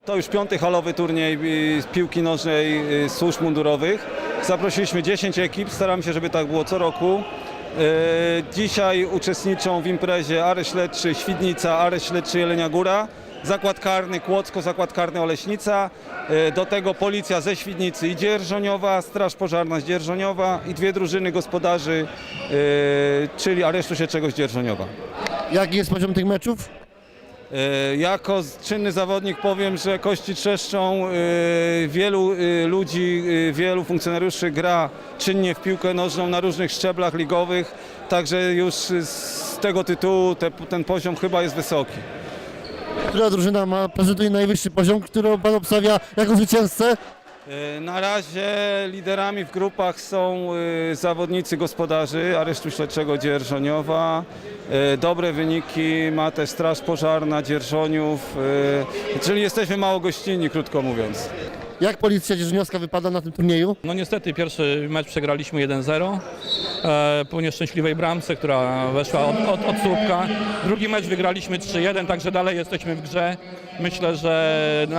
To już 5. halowy turniej z piłki nożnej służb mundurowych. Zaprosiliśmy 10 ekip, staramy się, żeby tak było co roku. Dzisiaj uczestniczą w imprezie Areszt Śledczy Świdnica, Areszt Śledczy Jelenia Góra, Zakład Karny Kłodzko, Zakład Karny Oleśnica, do tego policja ze Świdnicy i Dzierżoniowa, Straż Pożarna z Dzierżoniowa i 2 drużyny gospodarzy, czyli Aresztu Śledczego z Dzierżoniowa. Jaki jest poziom tych meczów? Jako czynny zawodnik powiem, że kości trzeszczą, wielu ludzi, wielu funkcjonariuszy gra czynnie w piłkę nożną na różnych szczeblach ligowych, także już z tego tytułu ten poziom chyba jest wysoki. Która drużyna prezentuje najwyższy poziom, którą pan obstawia jako zwycięzcę? Na razie liderami w grupach są zawodnicy gospodarzy Aresztu Śledczego Dzierżoniowa. Dobre wyniki ma też Straż Pożarna Dzierżoniów, czyli jesteśmy mało gościnni, krótko mówiąc. Jak Policja Dzierżoniowska wypada na tym turnieju? No niestety pierwszy mecz przegraliśmy 1-0 po nieszczęśliwej bramce, która weszła od słupka. Drugi mecz wygraliśmy 3-1, także dalej jesteśmy w grze. Myślę, że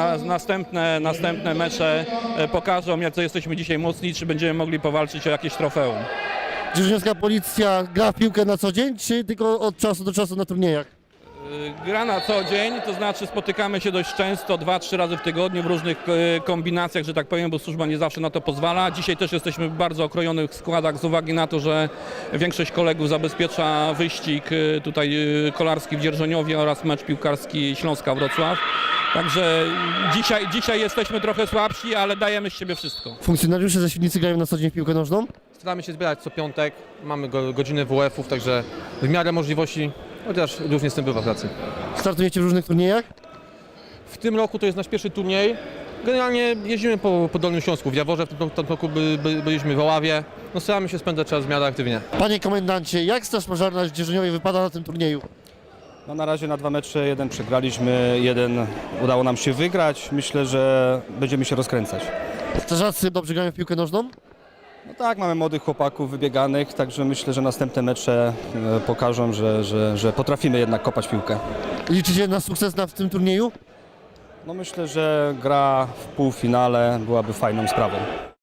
następne mecze pokażą, jak to jesteśmy dzisiaj mocni, czy będziemy mogli powalczyć o jakieś trofeum. Dzierżoniowska Policja gra w piłkę na co dzień, czy tylko od czasu do czasu na turniejach? Gra na co dzień, to znaczy spotykamy się dość często, 2-3 razy w tygodniu w różnych kombinacjach, że tak powiem, bo służba nie zawsze na to pozwala. Dzisiaj też jesteśmy w bardzo okrojonych składach z uwagi na to, że większość kolegów zabezpiecza wyścig tutaj kolarski w Dzierżoniowie oraz mecz piłkarski Śląska Wrocław. Także dzisiaj jesteśmy trochę słabsi, ale dajemy z siebie wszystko. Funkcjonariusze ze Świdnicy grają na co dzień w piłkę nożną? Staramy się zbierać co piątek, mamy godziny WF-ów, także w miarę możliwości, chociaż różnie z tym bywa w pracy. Startujecie w różnych turniejach? W tym roku to jest nasz pierwszy turniej. Generalnie jeździmy po Dolnym Śląsku, w Jaworze, w tym roku byliśmy w Oławie. No, staramy się spędzać czas w miarę aktywnie. Panie komendancie, jak Straż Pożarna w Dzierżoniowie wypada na tym turnieju? No na razie na 2 mecze, jeden przegraliśmy, jeden udało nam się wygrać. Myślę, że będziemy się rozkręcać. Strażacy dobrze grają w piłkę nożną? No tak, mamy młodych chłopaków wybieganych, także myślę, że następne mecze pokażą, że potrafimy jednak kopać piłkę. Liczycie na sukces w tym turnieju? No myślę, że gra w półfinale byłaby fajną sprawą.